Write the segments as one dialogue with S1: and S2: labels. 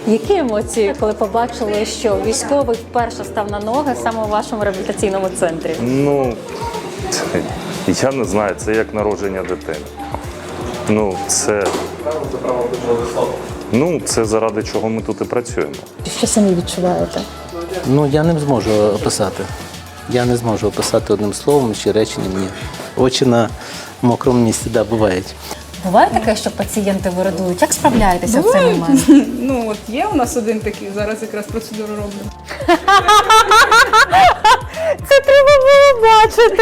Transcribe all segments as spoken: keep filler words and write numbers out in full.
S1: Які емоції, коли побачили, що військовий вперше став на ноги саме у вашому реабілітаційному центрі?
S2: Ну, я не знаю, це як народження дитини. Ну, це, ну, це заради чого ми тут і працюємо.
S1: Що самі відчуваєте?
S3: Ну, я не зможу описати. Я не зможу описати одним словом чи реченням, ні. Очі на мокрому місці, да, бувають.
S1: Буває таке, що пацієнти вирадують? Як справляєтеся в цей
S4: Бувають.
S1: момент?
S4: Ну от є у нас один такий, зараз якраз процедуру роблю.
S1: Це треба було бачити.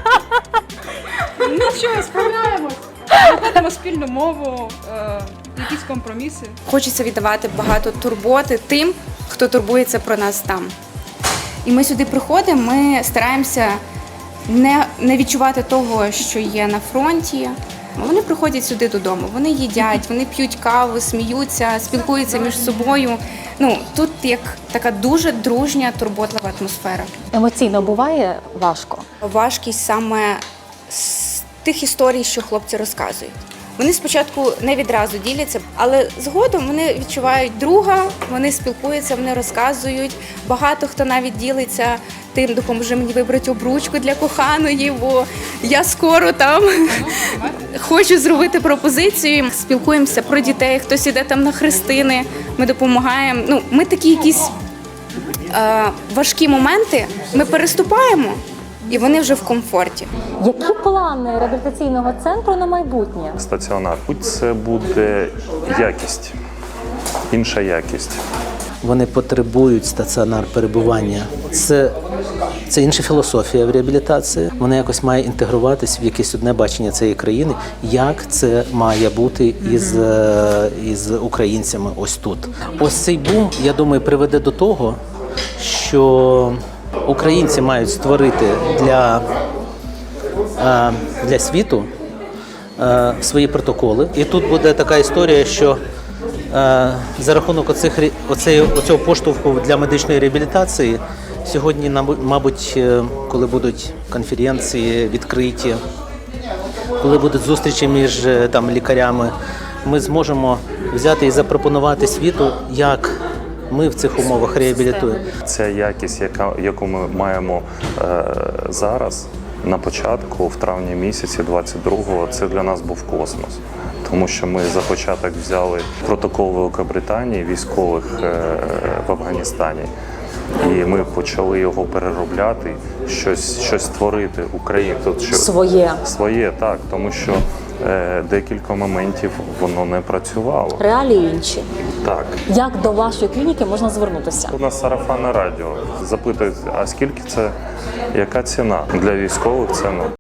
S4: Ну що, справляємось. Знаходимо спільну мову, е, якісь компроміси.
S5: Хочеться віддавати багато турботи тим, хто турбується про нас там. І ми сюди приходимо, ми стараємося не, не відчувати того, що є на фронті. Вони приходять сюди додому, вони їдять, вони п'ють каву, сміються, спілкуються між собою. Ну, тут як така дуже дружня, турботлива атмосфера.
S1: Емоційно буває важко?
S5: Важкість саме з тих історій, що хлопці розказують. Вони спочатку не відразу діляться, але згодом вони відчувають друга, вони спілкуються, вони розказують. Багато хто навіть ділиться тим, допоможи мені вибрати обручку для коханої, бо я скоро там хочу зробити пропозицію. Спілкуємося про дітей, хтось іде там на хрестини, ми допомагаємо. Ну, ми такі якісь е, важкі моменти ми переступаємо, і вони вже в комфорті.
S1: Які плани реабілітаційного центру на майбутнє?
S2: Стаціонар. Це буде якість, інша якість.
S3: Вони потребують стаціонар перебування. Це, це інша філософія в реабілітації. Вона якось має інтегруватись в якесь одне бачення цієї країни, як це має бути із, із українцями ось тут. Ось цей бум, я думаю, приведе до того, що українці мають створити для, для світу свої протоколи. І тут буде така історія, що за рахунок оцих, оцеї, оцього поштовху для медичної реабілітації сьогодні, мабуть, коли будуть конференції відкриті, коли будуть зустрічі між там, лікарями, ми зможемо взяти і запропонувати світу, як ми в цих умовах реабілітуємо.
S2: Ця якість, яка, яку ми маємо е, зараз, на початку, в травні місяці двадцять другого, це для нас був космос. Тому що ми за початок взяли протокол Великобританії військових е, в Афганістані. І ми почали його переробляти, щось, щось створити Україну. Що...
S1: Своє.
S2: Своє, так, тому що е, декілька моментів воно не працювало.
S1: Реалії інші.
S2: Так.
S1: Як до вашої клініки можна звернутися?
S2: У нас сарафанне радіо. Запитують, а скільки це, яка ціна? Для військових це ну.